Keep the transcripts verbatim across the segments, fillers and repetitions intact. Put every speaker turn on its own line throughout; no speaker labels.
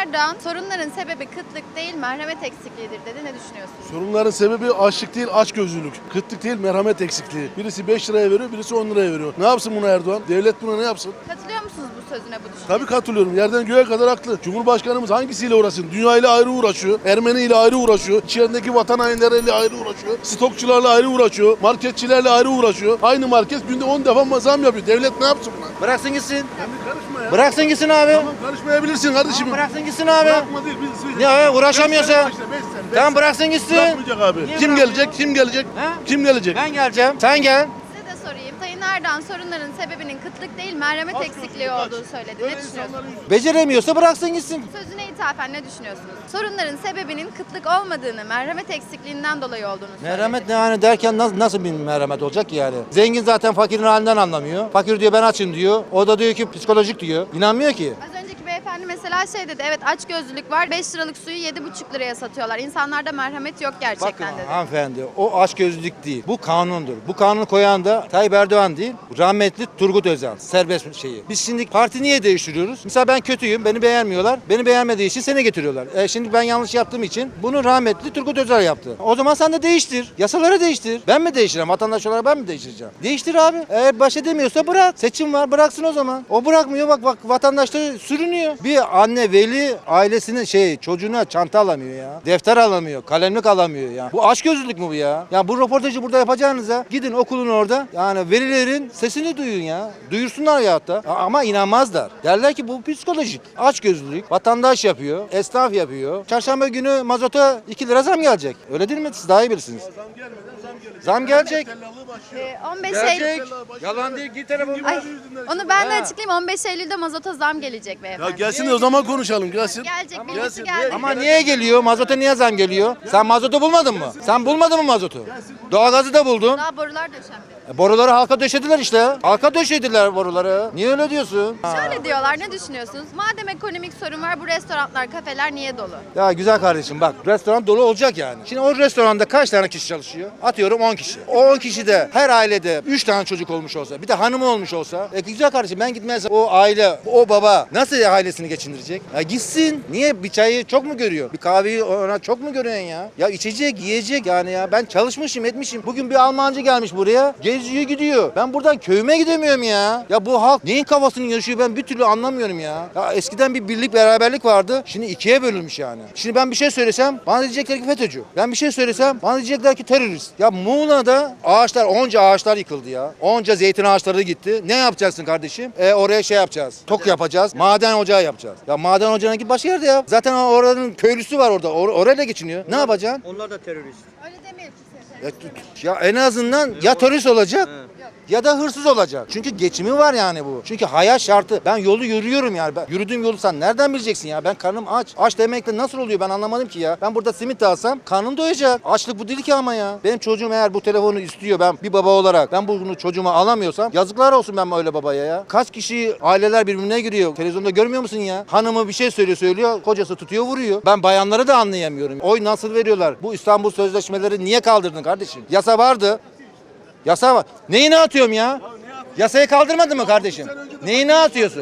Erdoğan sorunların sebebi kıtlık değil merhamet eksikliğidir dedi. Ne düşünüyorsunuz?
Sorunların sebebi açlık değil, açgözlülük. Kıtlık değil, merhamet eksikliği. Birisi beş liraya veriyor, birisi on liraya veriyor. Ne yapsın buna Erdoğan? Devlet buna ne yapsın?
Katılıyor musunuz bu sözüne, bu düşünceye?
Tabii katılıyorum. Yerden göğe kadar haklı. Cumhurbaşkanımız hangisiyle uğraşsın? Dünya ile ayrı uğraşıyor. Ermeni ile ayrı uğraşıyor. İçerideki vatan hainleriyle ayrı uğraşıyor. Stokçularla ayrı uğraşıyor. Marketçilerle ayrı uğraşıyor. Aynı market günde on defa zam yapıyor. Devlet ne yapsın buna?
Bıraksın gitsin.
Kendi karışma ya.
Bıraksın gitsin abi.
Tamam karışmayabilirsin kardeşim.
Tamam, bıraksın gitsin abi.
Bırakma değil. Biz, biz,
Ya abi, uğraşamıyorsa.
Beş sene, beş sene, beş sene, beş
Tamam
sene.
bıraksın gitsin.
Bırakmayacak abi.
Niye
Kim
bırakmıyor?
gelecek? Kim gelecek?
He?
Kim gelecek?
Ben geleceğim. Sen gel.
Size de sorayım. Sayın Erdoğan sorunların sebebinin kıtlık değil merhamet
Aç
eksikliği
gözlülük, aç.
olduğu söyledi.
Böyle
Ne düşünüyorsunuz?
insanların yüzü-
Beceremiyorsa bıraksın gitsin.
Sözüne ithafen ne düşünüyorsunuz? Sorunların sebebinin kıtlık olmadığını, merhamet eksikliğinden dolayı olduğunu söyledi.
Merhamet ne yani derken nasıl, nasıl bir merhamet olacak ki yani? Zengin zaten fakirin halinden anlamıyor. Fakir diyor ben açım diyor. O da diyor ki psikolojik diyor. İnanmıyor ki.
Az önceki beyefendi mesela şey dedi. Evet açgözlülük var. beş liralık suyu yedi buçuk liraya satıyorlar. İnsanlarda merhamet yok
Bakın
gerçekten dedi.
hanımefendi o açgözlülük değil. Bu kanundur. Bu kanunu koyan da Tayyip Erdoğan değil. Rahmetli Turgut Özal. Serbest şeyi. Biz şimdi parti niye değiştiriyoruz? Mesela ben kötüyüm. Beni beğenmiyorlar. Beni beğenmediği için seni getiriyorlar. E şimdi ben yanlış yaptığım için bunu rahmetli Turgut Özal yaptı. O zaman sen de değiştir. Yasaları değiştir. Ben mi değiştireceğim? Vatandaş olarak ben mi değiştireceğim? Değiştir abi. Eğer baş edemiyorsa bırak. Seçim var. Bıraksın o zaman. O bırakmıyor. Bak bak vatandaş da sürünüyor. Bir anne veli ailesinin şey çocuğuna çanta alamıyor ya. Defter alamıyor. Kalemlik alamıyor ya. Bu açgözlülük mü bu ya? Ya bu röportajı burada yapacağınıza gidin okulun orada. Yani velilerin sesini duyun ya. Duyursunlar ya hatta. Ama inanmazlar. Derler ki bu psikolojik. Açgözlülük. Vatandaş yapıyor. Esnaf yapıyor. Çarşamba günü mazota iki lira zam gelecek. Öyle değil mi? Siz daha iyi bilirsiniz.
Zam gelmeden zam gelecek.
Zam gelecek.
Tellallığı başlıyor.
Ee, on beş Eylül...
Gelecek. Yalan değil. Git telefonu.
Ay, onu ben de
Ha.
açıklayayım. on beş Eylül'de mazota zam gelecek
Ya
beyefendi.
gelsin de o zaman konuşalım. Gelsin.
Gelecek,
Gelsin.
birisi geldi.
Ama niye geliyor? Mazota niye zam geliyor? Sen mazotu bulmadın mı? Sen bulmadın mı mazotu? Doğalgazı da buldun.
Daha borular döşenmedi.
E, boruları halka döşediler işte. Halka döşediler boruları. Niye öyle diyorsun?
Şöyle diyorlar, ne düşünüyorsunuz? Madem ekonomik sorun var, bu restoranlar, kafeler niye dolu?
Ya güzel kardeşim bak restoran dolu olacak yani. Şimdi o restoranda kaç tane kişi çalışıyor? Atıyorum on kişi. O on kişi de her ailede üç tane çocuk olmuş olsa bir de hanımı olmuş olsa e güzel kardeşim ben gitmezsem o aile o baba nasıl ailesini geçindirecek? Ya gitsin. Niye bir çayı çok mu görüyor? Bir kahveyi ona çok mu görüyorsun ya? Ya içecek yiyecek yani ya ben çalışmışım etmişim. Bugün bir Almancı gelmiş buraya geziyor gidiyor. Ben buradan köyüme gidemiyorum ya. Ya bu halk neyin kafasını yaşıyor ben bir türlü anlamıyorum ya. Ya eskiden bir birlik beraberlik vardı. Şimdi ikiye bölünmüş yani. Şimdi ben bir şey söylesem bana diyecekler ki FETÖ'cü. Ben bir şey söylesem bana diyecekler ki terörist. Ya Muğla'da ağaçlar onca ağaçlar yıkıldı ya. Onca zeytin ağaçları gitti. Ne yapacaksın kardeşim? E oraya şey yapacağız. Tok yapacağız. Maden ocağı yapacağız. Ya maden ocağına git başka yerde yap. Zaten oranın köylüsü var orada. Or orayla geçiniyor. Ne yapacaksın?
Onlar da terörist.
Öyle demeyelim ki.
Ya, ya en azından ya terörist olacak ya da hırsız olacak. Çünkü geçimi var yani bu. Çünkü hayat şartı. Ben yolu yürüyorum yani. Ben, yürüdüğüm yolu sen nereden bileceksin ya? Ben karnım aç. Aç demekle nasıl oluyor ben anlamadım ki ya. Ben burada simit alsam karnım doyacak. Açlık bu değil ki ama ya. Benim çocuğum eğer bu telefonu istiyor ben bir baba olarak ben bunu çocuğuma alamıyorsam yazıklar olsun ben öyle babaya ya. Kaç kişi aileler birbirine giriyor. Televizyonda görmüyor musun ya? Hanımı bir şey söylüyor söylüyor. Kocası tutuyor vuruyor. Ben bayanları da anlayamıyorum. Oy nasıl veriyorlar? Bu İstanbul Sözleşmeleri niye kaldırdın kardeşim? Yasa vardı. Yasa var. Neyini atıyorum ya? Yasayı kaldırmadın mı kardeşim? Neyini atıyorsun?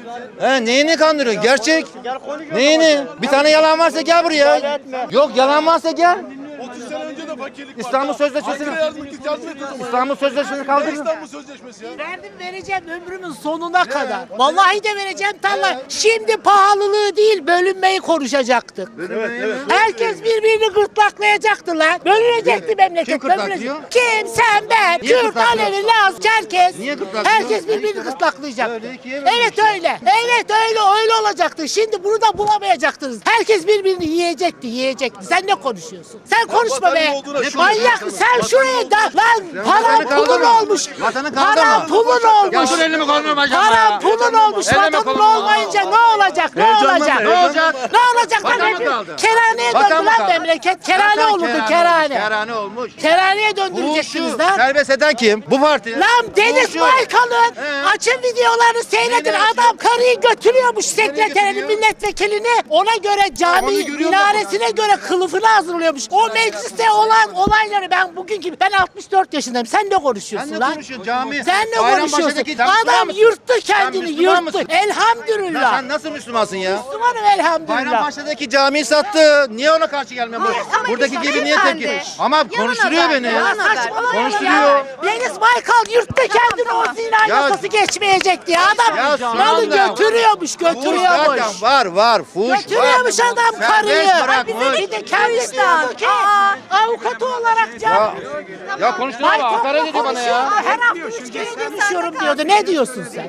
He, neyini kandırıyorsun? Gerçek. Neyini? Bir tane yalan varsa gel buraya. Yok yalan varsa gel.
otuz sene önce de fakirlik vardı.
İstanbul Sözleşmesi'ni
Ankara yazmak git yardım et o zaman.
İstanbul Sözleşmesi'ni
Ne
kaldırdın.
İstanbul Sözleşmesi ya?
Verdim vereceğim ömrümün sonuna kadar. Vallahi de vereceğim tarla. Şimdi pahalılığı değil bölünmeyi konuşacaktık.
Evet, evet.
Herkes birbirini gırtlaklayacaktı lan. Bölünecekti memleket.
Kim gırtlaklıyor?
bölünecek. Kim? Sen, ben.
Niye
Kürt,
gırtlaklıyor?
Alevi, Laz, Çerkez.
Niye gırtlaklıyor?
Herkes birbirini gırtlaklayacaktı.
Öyle ikiye bölünmüş
Evet
ya.
öyle. Evet öyle öyle olacaktı. Şimdi bunu da bulamayacaktınız. Herkes birbirini yiyecekti yiyecekti. Sen ne konuşuyorsun? Sen konuşma be.
vatanın olduğuna şükür.
Manyak mı? Sen şuraya da lan paran
vatanı
pulun
kaldırma.
olmuş.
Vatanı kaldırma.
Paran pulun olmuş.
Ya dur elimi kolumu bacağımı ya.
Paran pulun olmuş.
Elime
Vatanın
kolumu.
olmayınca ne olacak? Ne
Heyecanlanma,
olacak?
Ne olacak?
Ne olacak lan?
Vatan mı kaldı?
Kerhaneye
Vatan
döndü
mı
lan
kaldı?
memleket. Kerhane
Zaten
olurdu
olmuş,
kerhane.
Kerhane olmuş.
Kerhaneye
Bu
döndüreceksiniz
şu
lan.
serbest eden kim? Bu parti.
Lan Deniz
Bu şu.
Baykal'ın
He.
açın videolarını seyredin.
Neyini
Adam karıyı götürüyormuş sekreterini,
götürüyor?
milletvekilini. Ona göre cami
onu görüyor
minaresine göre kılıfını hazırlıyormuş. O mecliste olan olayları ben bugünkü ben altmış dört yaşındayım. Sen ne konuşuyorsun
Sen ne
lan?
konuşuyorsun cami?
Sen ne
Bayrambaşı'ndaki
konuşuyorsun?
tam Müslüman
Adam
mısın?
yırttı
Sen
kendini
Müslüman
yırttı.
mısın?
Elhamdülillah.
Sen nasıl Müslümansın ya?
Müslümanım elhamdülillah.
Bayrampaşa'daki camiyi sattı. Niye ona karşı gelmiyor?
Hayır, ama
Buradaki
işte
gibi niye
beyefendi,
tepki? Ama
yalan
konuşturuyor
haber,
beni.
yalan
ya.
haber.
Saçmalama
Konuşturuyor.
ya. Deniz Baykal yurtta kendini o zina
Ya-
yasası geçmeyecekti ya. Adam
Ya şu
malı
anda-
götürüyormuş,
Fuhuş
götürüyormuş.
zaten var var. Fuhuş var.
Götürüyormuş adam karıyı.
Serbest bırakmış.
Bir de kendi diyordu ki avukatı olarak
Ya,
can.
ya konuşturuyor ama hakaret ediyor bana ya.
Her hafta üç kere görüşüyorum diyordu. Ne diyorsun sen?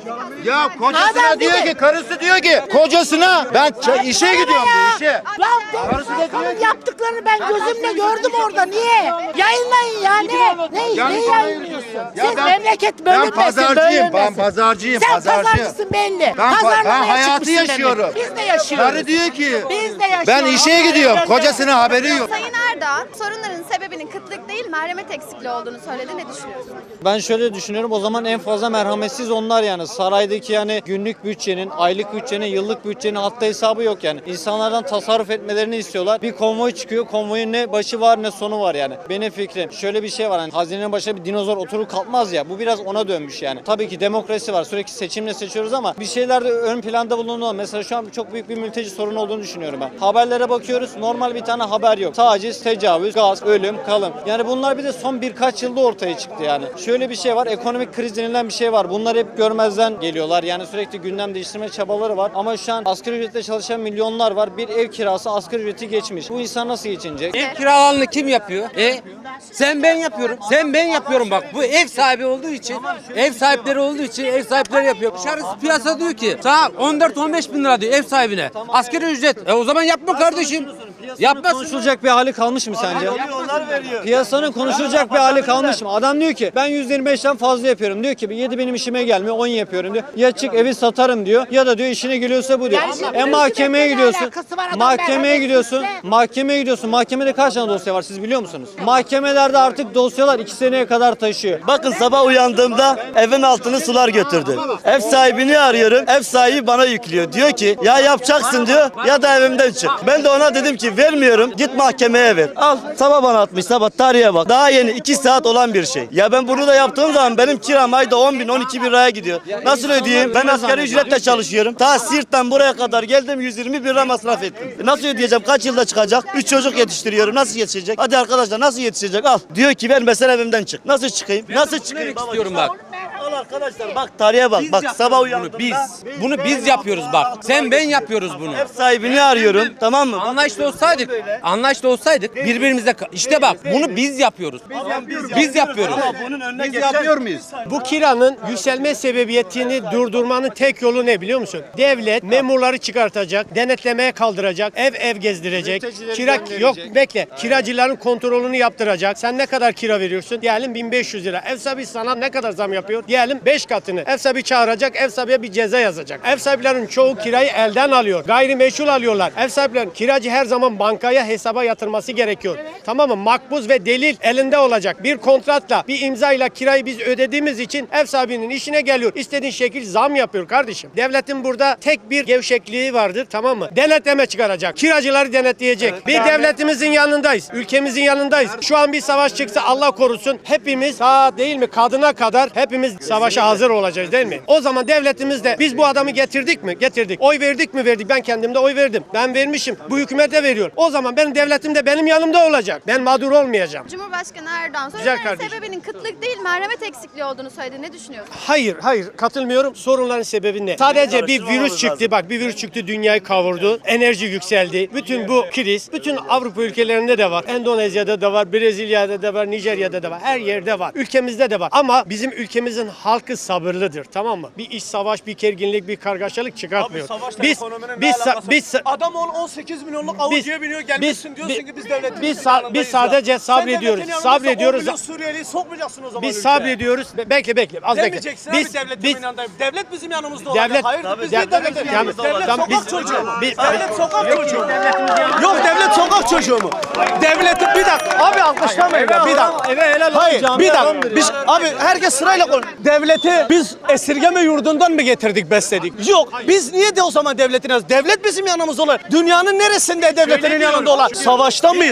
Ya kocasına
Adam
diyor
dedi-
ki, karısı diyor ki kocasına ben ç- işe gidiyorum diyor işe.
Lan Deniz Baykal'ın yaptıklarını ben gözümle gördüm orada. Niye? Yayınlayın ya ne? Ne,
Yani
ne
sana-
yayınlıyorsun?
Ya
Siz
ben-
memleket
Ben
bölünmesin,
pazarcıyım, ben
bölünmesin.
pazarcıyım,
Sen
pazarcı.
pazarcısın belli.
Ben, pa-
Pazarlamaya
ben hayatı
çıkmışsın
yaşıyorum.
demek. Biz de yaşıyoruz.
Karı diyor ki
Biz de yaşıyoruz.
ben işe gidiyorum, kocasına haberi yok.
Sayın Erdoğan, sorunların sebebinin kıtlık değil, merhamet eksikliği olduğunu söyledi. Ne düşünüyorsun?
Ben şöyle düşünüyorum, o zaman en fazla merhametsiz onlar yani. Saraydaki yani günlük bütçenin, aylık bütçenin, yıllık bütçenin hatta hesabı yok yani. İnsanlardan tasarruf etmelerini istiyorlar. Bir konvoy çıkıyor, konvoyun ne başı var ne sonu var yani. Benim fikrim şöyle bir şey var, hani hazinenin başına bir dinozor oturur kalkmaz ya, bu biraz ona dönmüş yani. Tabii ki demokrasi var, sürekli seçimle seçiyoruz ama bir şeyler de ön planda bulunuyor. Mesela şu an çok büyük bir mülteci sorunu olduğunu düşünüyorum ben. Haberlere bakıyoruz, normal bir tane haber yok. Taciz, tecavüz, gaz, ölüm, kalım. Yani bunlar bir de son birkaç yılda ortaya çıktı yani. Şöyle bir şey var, ekonomik kriz denilen bir şey var. Bunlar hep görmezden geliyorlar. Yani sürekli gündem değiştirme çabaları var. Ama şu an asgari ücretle çalışan milyonlar var. Bir ev kirası asgari ücreti geçmiş. Bu insan nasıl geçinecek?
Ev kiralarını kim yapıyor? E sen ben yapıyorum. Sen ben yapıyorum bak. Bu ev sahibi olduğu için, ev sahipleri olduğu için ev sahipleri yapıyor. Dışarısı piyasa diyor ki sana on dört on beş bin lira diyor ev sahibine. Asgari ücret. E o zaman yapma kardeşim. Yapma.
Konuşulacak bir hali kalmış mı sence? Piyasanın konuşulacak bir hali kalmış mı? Adam diyor ki ben yüzde yirmi beşten fazla yapıyorum. Diyor ki yedi benim işime gelmiyor, on yapıyorum diyor. Ya çık evi satarım diyor ya da diyor işine geliyorsa bu diyor.
Yani şimdi
E mahkemeye
ne
gidiyorsun.
alakası var? Adam
Mahkemeye
merhametsiz
gidiyorsun.
de.
Mahkemeye gidiyorsun. Mahkemede kaç tane dosya var siz biliyor musunuz? Mahkemelerde artık dosyalar iki seneye kadar taşıyor.
Bakın sabah uyandığımda evin altını sular götürdü. Ev sahibini arıyorum. Ev sahibi bana yüklüyor. Diyor ki ya yapacaksın diyor ya da evimden çık. Ben de ona dedim ki vermiyorum. Git mahkemeye ver. Al sabah bana atmış sabah tarihe bak. Daha yeni iki saat olan bir şey. Ya ben bunu da yaptığım zaman benim kiram ayda on bin on iki bin liraya gidiyor. Nasıl ödeyeyim? Ben asgari ücretle çalışıyorum. Ta Siirt'ten buraya kadar geldim yüz yirmi bin lira masraf ettim. E nasıl ödeyeceğim? Kaç yılda çıkacak? üç çocuk yetiştiriyorum. Nasıl yetişecek? Hadi arkadaşlar nasıl yetişecek? Al. Diyor ki vermesen evimden çık. Nasıl çıkayım? Nasıl çıkayım? Baba,
istiyorum bak.
Al arkadaşlar bak tarihe bak. Bak sabah uyandığımda.
Bunu biz. Bunu biz yapıyoruz bak. Sen ben yapıyoruz bunu.
Ev sahibini arıyorum. Tamam mı?
Anlaşlı olsaydık, anlaşlı olsaydık birbirimize işte bak bunu biz yapıyoruz. Biz yapıyoruz.
Bunun önüne
Biz
geçen-
yapıyor muyuz?
Bu kiranın yükselme sebebiyetini durdurmanın tek yolu ne biliyor musun? Devlet memurları çıkartacak, denetlemeye kaldıracak, ev ev gezdirecek. Kira yok bekle. Kiracıların kontrolünü yaptıracak. Sen ne kadar kira veriyorsun? Diyelim bin beş yüz lira. Ev sahibi sana ne kadar zam yapıyor? Diyelim beş katını. Ev sahibi çağıracak, ev sahibiye bir ceza yazacak. Ev sahiplerinin çoğu kirayı elden alıyor. Gayrimeşul alıyorlar. Ev sahiplerinin kiracı her zaman bankaya hesaba yatırması gerekiyor. Tamam mı? Makbuz ve delil elinde olacak. Bir kontratla, bir imzayla kirayı biz ödediğimiz için ev sahibinin işine geliyor. İstediğin şekil zam yapıyor kardeşim. Devletin burada tek bir gevşekliği vardır, tamam mı? Denetleme çıkaracak. Kiracıları denetleyecek. Bir devletimizin yanındayız. Ülkemizin yanındayız. Şu an bir savaş çıksa Allah korusun hepimiz ta değil mi kadına kadar hepimiz savaşa hazır olacağız değil mi? O zaman devletimiz de biz bu adamı getirdik mi? Getirdik. Oy verdik mi? Verdik. Ben kendimde oy verdim. Ben vermişim. Bu hükümete veriyor. O zaman benim devletim de benim yanımda olacak. Ben mağdur olmayacağım.
Cumhurbaşkanı Erdoğan,
Güzel
sorunların
kardeşim.
sebebinin kıtlık değil, merhamet eksikliği olduğunu söyledi. Ne düşünüyorsun?
Hayır, hayır katılmıyorum. Sorunların sebebi ne? Sadece bir virüs çıktı. Bak bir virüs çıktı, dünyayı kavurdu. Enerji yükseldi. Bütün bu kriz, bütün Avrupa ülkelerinde de var. Endonezya'da da var, Brezilya'da da var, Nijerya'da da var. Her yerde var. Ülkemizde de var. Ama bizim ülkemizin halkı sabırlıdır. Tamam mı? Bir iş savaş, bir gerginlik, bir kargaşalık çıkartmıyor. Biz biz sa- biz sa-
Adam ol on sekiz milyonluk avucuya biniyor gelmişsin diyorsun ki biz devletimizin
biz, sa-
yanındayız
biz
ya.
sadece
Sen
sabrediyoruz.
devletin yanındaysa
Sabrediyoruz.
on milyon Suriyeliyi sokmayacaksın o zaman
Biz
ülkeye.
sabrediyoruz. Be- Bekle bekle. Az bekle.
Demeyeceksin
Biz
abi devletimin
biz
yanındayım. Devlet bizim yanımızda olacak.
devlet
Hayır
Tabii,
biz
dev-
niye devletin
Tamam,
yanımızda? Devlet
tamam,
sokak
biz-
çocuğu mu?
biz-
Devlet sokak çocuğu mu? Yok devlet sokak çocuğu mu? Devletin bir dakika abi alkışlamayın ya bir dakika.
eve helal
Hayır bir dakika. Biz abi herkes sırayla konuş. Devleti biz esirgeme yurdundan mı getirdik besledik? Yok. Biz niye de o zaman devletin yanımızda? Devlet bizim yanımızda olur. Dünyanın neresinde devletinin yanında olan? Savaşta mıyız?